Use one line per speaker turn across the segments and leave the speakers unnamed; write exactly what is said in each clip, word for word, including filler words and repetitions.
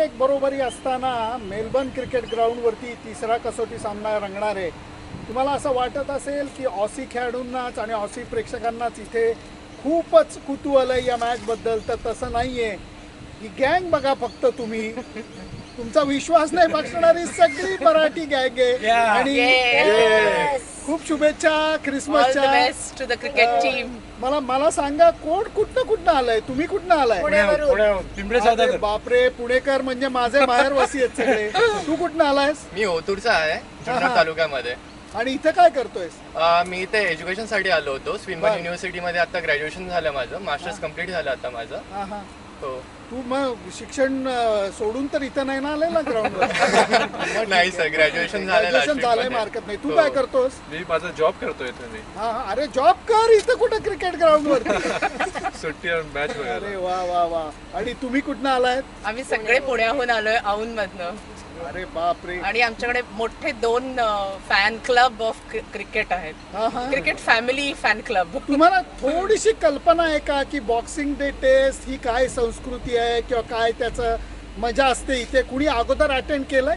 एक बरोबरी असताना मेलबर्न क्रिकेट ग्राउंडवरती तिसरा कसोटी सामना रंगणार आहे. तुम्हाला असं वाटत असेल की ऑसी खेळाडूंनाच आणि ऑसी प्रेक्षकांनाच इथे खूपच कुतूहल आहे या मॅचबद्दल, तर तसं नाही आहे. ही गँग बघा फक्त तुम्ही, तुमचा विश्वास नाही बसणारी सगळी मराठी गँग आहे. आणि खूप शुभेच्छा क्रिसमसच्या.
Best to the cricket team.
मला मला सांगा कोण कुठनं कुठनं आलंय, तुम्ही कुठनं आलाय? अरे बापरे, पुणेकर म्हणजे माझे माहेरवासी आहेत सगळे. तू कुठनं आलायस?
मी ओतूरचा आहे, जुन्नर तालुक्यामध्ये.
आणि इथे काय करतोयस?
मी इथे एज्युकेशन साठी आलो होतो. स्विनबर्न युनिव्हर्सिटी मध्ये आता ग्रॅज्युएशन झालं माझं, मास्टर्स कम्प्लीट झालं आता माझं.
हा हा.
हो.
तू मग शिक्षण सोडून तर इथं नाही ना आलेला ग्राउंडवर?
नाही सर, ग्रॅज्युएशन झालं.
ग्रॅज्युएशन झालंय, मार्केट नाही. तू काय करतोस?
मी माझा जॉब करतोय इथे.
हा हा. अरे जॉब कर, इथं कुठं क्रिकेट ग्राउंड वरती
सुट्टी मॅच वगैरे.
अरे वा वा वा. आणि तुम्ही कुठनं आलायत?
आम्ही सगळे पुण्याहून आलोय, औंध मधनं.
अरे बापरे.
आणि आमच्याकडे मोठे दोन फॅन क्लब ऑफ क्रिकेट आहेत. Cricket family fan club.
तुम्हाला थोडीशी कल्पना आहे का की बॉक्सिंग डे टेस्ट ही काय संस्कृती आहे किंवा काय त्याचं मजा असते इथे? कुणी अगोदर अटेंड केलंय?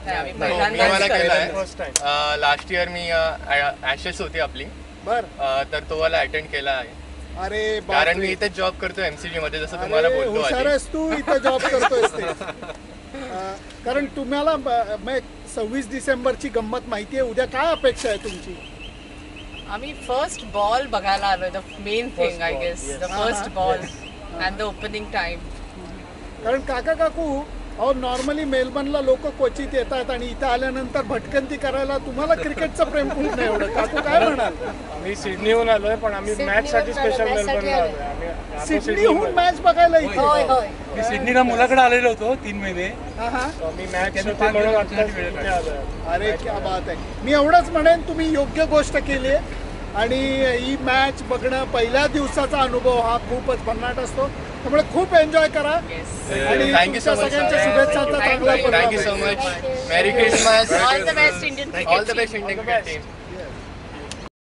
लास्ट इयर मी ऍशेस होती आपली,
बर,
तर तो वाला अटेंड केला आहे.
अरे
कारण मी इथे जॉब करतोय एमसीजी मध्ये, जसं तुम्हाला बोलतो.
हुशार आहेस तू, इथं जॉब करतोय. कारण तुम्हाला सव्वीस डिसेंबरची गंमत माहिती आहे. उद्या काय अपेक्षा आहे तुमची?
आम्ही फर्स्ट बॉल बघायला आलोय. The main thing I guess, the first ball and the opening time.
कारण काका काकू, अहो नॉर्मली मेलबर्नला लोक क्वचित येतात आणि इथं आल्यानंतर भटकंती करायला. तुम्हाला क्रिकेटचं प्रेम खूप नाही एवढं. काकू काय म्हणाल?
मी सिडनीहून आलोय, पण आम्ही मॅच साठी स्पेशल मेलबर्नला आलोय.
सिडनीहून मॅच बघायला इथे?
मी सिडनीला मुलाकडे आलेलो होतो तीन महिने.
मी मॅच म्हणून आता आलोय.
अरे क्या बात आहे. मी एवढंच म्हणेन, तुम्ही योग्य गोष्ट केली आहे. आणि ही मॅच बघणं, पहिल्या दिवसाचा अनुभव हा खूपच भन्नाट असतो. त्यामुळे खूप एन्जॉय करा. आणि
थँक्यू सो मच.
सगळ्यांच्या शुभेच्छाचा चांगला.
Thank you so much. Merry Christmas.
All the best Indian
all the best Indian cricket team.